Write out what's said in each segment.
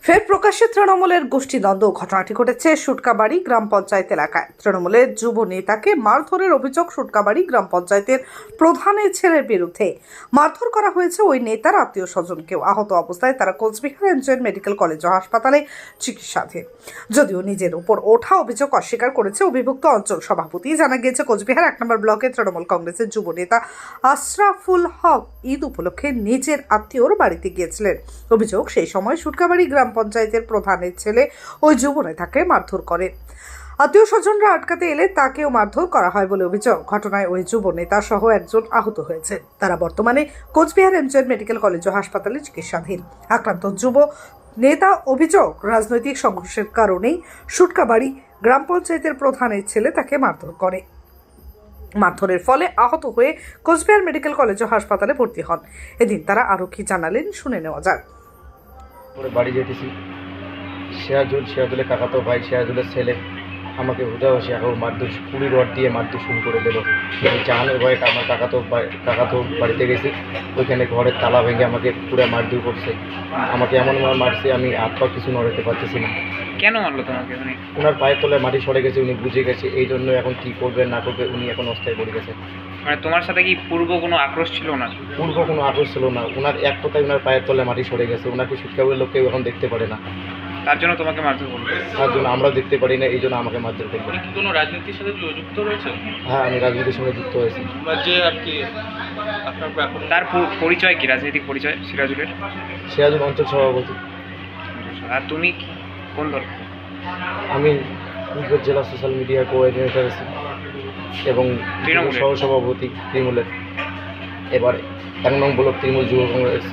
ফের প্রকাশ্যে তৃণমূলের গোষ্ঠীদ্বন্দ্ব। ঘটনাটি ঘটেছে সুটকাবাড়ি গ্রাম পঞ্চায়েত এলাকায়। তৃণমূলের যুব নেতাকে মারধরের অভিযোগ সুটকাবাড়ি গ্রাম পঞ্চায়েতের প্রধানের ছেলের বিরুদ্ধে। মারধর করা হয়েছে ওই নেতার আত্মীয় স্বজনকেও। আহত অবস্থায় তারা কোচবিহার এমজেএন মেডিকেল কলেজ ও হাসপাতালে চিকিৎসাধীন। যদিও নিজের উপর ওঠা অভিযোগ অস্বীকার করেছে অভিযুক্ত অঞ্চল সভাপতি। জানা গিয়েছে কোচবিহার 1 নম্বর ব্লকের তৃণমূল কংগ্রেসের যুব নেতা আশরাফুল হক ঈদ উপলক্ষে নিজের আত্মীয়র বাড়িতে গিয়েছিলেন। অভিযোগ, সেই সময় সুটকাবাড়ি গ্রাম পঞ্চায়েতের প্রধানের ছেলে ওই যুব নেতাকে মারধর করে। আত্মীয় স্বজনরা আটকাতে এলে তাকেও মারধর করা হয় বলে অভিযোগ। ঘটনায় ওই যুব নেতা সহ একজন আহত হয়েছে। তারা বর্তমানে কোচবিহার এমজেএন মেডিকেল কলেজ ও হাসপাতালে চিকিৎসাধীন। আক্রান্ত যুব নেতা অভিযোগ, রাজনৈতিক সংঘর্ষের কারণেই সুটকাবাড়ি গ্রাম পঞ্চায়েতের প্রধানের ছেলে তাকে মারধর করে। মারধরের ফলে আহত হয়ে কোচবিহার মেডিকেল কলেজ ও হাসপাতালে ভর্তি হন। এদিন তারা আরও কি জানালেন শুনে নেওয়া যাক। বাড়ি যেতেছি, সিরাজুলের কাকাতো ভাই, সিরাজুলের ছেলে আমাকে হুদাহসি এখন মারধর, কুড়ি রড দিয়ে মারধর শুরু করে দেবো। জাহানের ভয়ে আমার কাকাতো বাড়িতে গেছি, ওইখানে ঘরের তালা ভেঙে আমাকে পুরো মারধর করছে। আমাকে এমনভাবে মারছে আমি হাত পা কিছু নড়াতে পারতেছি না। কেন মারলো তোমাকে? ওনার পায়ের তলায় মাটি সরে গেছে, উনি বুঝে গেছে। এই জন্য এখন কী করবে না করবে উনি এখন অস্থায় পড়ে গেছে। মানে তোমার সাথে কি পূর্ব কোনো আক্রোশ ছিল না? পূর্ব কোনো আক্রোশ ছিল না। ওনার এক কথায় ওনার পায়ের তলায় মাটি সরে গেছে। ওনাকে সুটকাবাড়ির লোক কেউ এখন দেখতে পারে না, তার জন্য তোমাকে মারধর করলো? তার জন্য আমরাও দেখতে পারি না, এই জন্য আমাকে মারধর করলো। কি কোনো রাজনীতির সাথে যুক্ত রয়েছে? হ্যাঁ, আমি রাজনীতির সঙ্গে যুক্ত হয়েছি। বা যে আর কি আপনার তার পরিচয় কি, রাজনৈতিক পরিচয় সিরাজুলের? সিরাজুল অঞ্চল সভাপতি। আর তুমি কোন দল? আমি কুচবিহার জেলা সোশ্যাল মিডিয়া কোঅর্ডিনেটর আছি এবং সহসভাপতি তৃণমূলের। এবার 1 নং ব্লক তৃণমূল যুব কংগ্রেস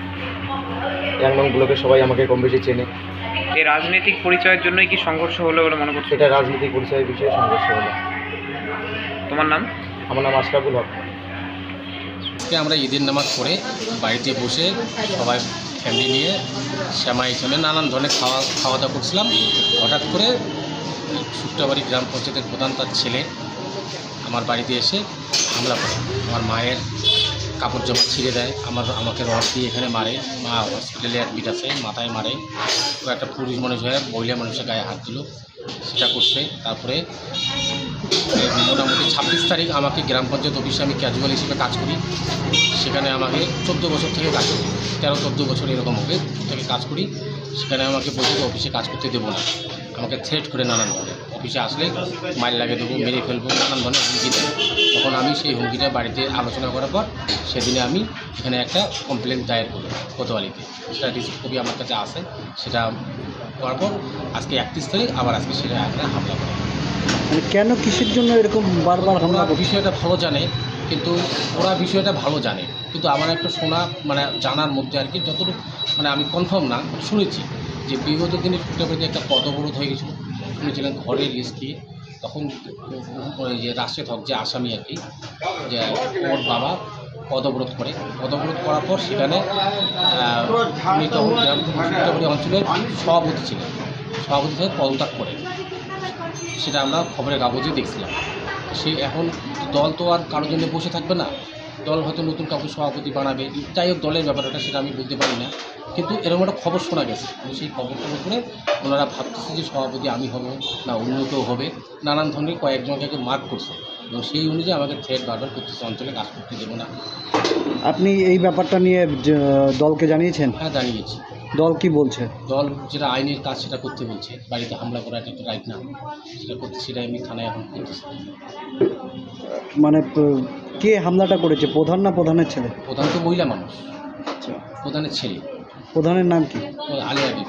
1 নং ব্লকে সবাই আমাকে কম বেশি চেনে। এই রাজনৈতিক পরিচয়ের জন্যই কি সংঘর্ষ হলো বলে মনে করছো? এটা রাজনৈতিক পরিচয়ের বিষয়ে সংঘর্ষ হলো। তোমার নাম? আমার নাম আশরাফুল হক। আমরা ঈদের নামাজ পড়ে বাড়িতে বসে সবাই ফ্যামিলি নিয়ে শ্যামাই নানান ধরনের খাওয়া দাওয়া করছিলাম। হঠাৎ করে সুটকাবাড়ি গ্রাম পঞ্চায়েতের প্রধান তার ছেলে আমার বাড়িতে এসে হামলা করে। আমার মায়ের কাপড় জামা ছিঁড়ে দেয়, আমাকে রড দিয়ে এখানে মারে। মা হসপিটালে অ্যাডমিট আছে, মাথায় মারে। তো একটা পুরুষ মানুষ হয়ে মহিলা মানুষের গায়ে হাত দিল, সেটা করছে। তারপরে মোটামুটি 26 তারিখ আমাকে গ্রাম পঞ্চায়েত অফিসে, আমি ক্যাজুয়াল হিসেবে কাজ করি, সেখানে আমাকে 14 বছর থেকে কাজ করি, 13-14 বছর এরকম হবে থেকে কাজ করি। সেখানে আমাকে বলছে অফিসে কাজ করতে দেবো না, আমাকে থ্রেট করে নানান ধরনের, অফিসে আসলে মাইল লাগিয়ে দেবো, মেরে ফেলবো, নানান ধরনের হুমকি দেয়। তখন আমি সেই হুমকিটা বাড়িতে আলোচনা করার পর সেদিনে আমি এখানে একটা কমপ্লেন দায়ের করি কোতোয়ালিতে। সেটা রিসিভ কপি আমার কাছে আসে। সেটা করার পর আজকে 31 তারিখ আবার আজকে সেটা এখানে হামলা করে। কেন, কিসের জন্য এরকম বারবার হামলা? বিষয়টা ভালো জানে, কিন্তু ওরা বিষয়টা ভালো জানে, কিন্তু আমার একটা শোনা জানার মধ্যে আর কি, যতটুকু আমি কনফার্ম না, শুনেছি যে বিগত দিনে সুটকাবাড়িতে একটা পদবরোধ হয়ে গেছিলো। শুনেছিলেন ঘরের স্ত্রী, তখন ওই যে রাশেদ হক যে আসামি আর কি, যে ওর বাবা পদবরোধ করার পর সেখানে উনি তখন সুটকাবাড়ি অঞ্চলের সভাপতি ছিলেন, সভাপতি থেকে পদত্যাগ করে। সেটা আমরা খবরের কাগজে দেখছিলাম। সে এখন দল তো আর কারোর জন্য বসে থাকবে না, দল হয়তো নতুন কাউকে সভাপতি বানাবে। যাই হোক, দলের ব্যাপারটা সেটা আমি বলতে পারি না, কিন্তু এরকম একটা খবর শোনা গেছে। সেই খবরটার উপরে ওনারা ভাবতেছে যে সভাপতি আমি হব না অন্য কেউ হবে, নানান ধরনের কয়েকজনকে মার্ক করছে এবং সেই অনুযায়ী আমাকে থ্রেট বারবার করতেছে, অঞ্চলে কাজ করতে দেবো না। আপনি এই ব্যাপারটা নিয়ে দলকে জানিয়েছেন? হ্যাঁ, জানিয়েছি। দল কি বলছে? দল যেটা আইনের কাজ সেটা করতে বলছে। বাড়িতে হামলা করা এটা রাইট না, সেটা করতে, সেটাই আমি থানায় এখন করতেছি। মানে কে হামলাটা করেছে, প্রধান না প্রধানের ছেলে? প্রধান তো মহিলা মানুষ, প্রধানের ছেলে। প্রধানের নাম কি? আলিয়া বিবি।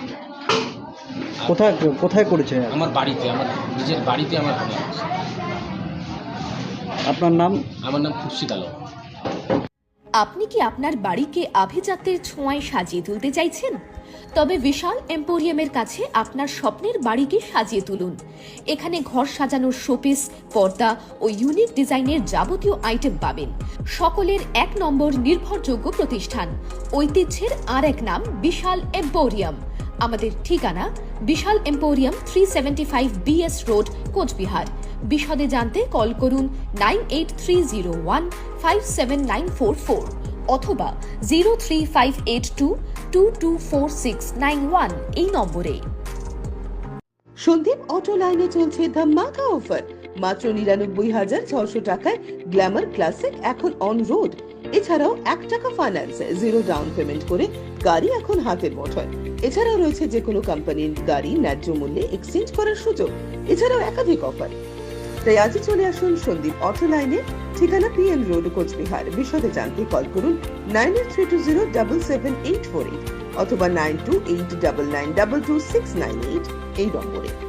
কোথায় করেছে? আমার বাড়িতে, আমার নিজের বাড়িতে আমার হামলা করছে। আপনার নাম? আমার নাম খুরশিদ আলম। আপনি কি আপনার বাড়িকে আভিজাত্যের ছোঁয়ায় সাজিয়ে তুলতে চাইছেন? তবে বিশাল এম্পোরিয়ামের কাছে আপনার স্বপ্নের বাড়িকে সাজিয়ে তুলুন। এখানে ঘর সাজানোর শোপিস, পর্দা ও ইউনিক ডিজাইনের যাবতীয় আইটেম পাবেন। সকলের 1 নম্বর নির্ভরযোগ্য প্রতিষ্ঠান, ঐতিহ্যের আর এক নাম বিশাল এম্পোরিয়াম। আমাদের ঠিকানা Vishal emporium, 375 BS road, Coochbehar. বিশদে জানতে কল করুন 9830157944 অথবা 03582 224691 এই নম্বরে। সন্দীপ অটো লাইনে চলছে ধামাকা অফার। মাত্র ৯৯,৬০০ টাকায় গ্ল্যামার ক্লাসিক এখন অন রোড। এছাড়াও ১ টাকা ফাইন্যান্সে 0 ডাউন পেমেন্ট করে গাড়ি এখন হাতের মুঠোয়। এছাড়াও রয়েছে যে কোনো কোম্পানির গাড়ি ন্যায্য মূল্যে এক্সচেঞ্জ করার সুযোগ। এছাড়াও একাধিক অফার। তাই আজই চলে আসুন সন্দীপ অটো লাইনে, ঠিকানা পিএম রোড, কোচবিহার। বিশদে জানতে কল করুন 9832077848 অথবা 9289922698 এই নম্বরে।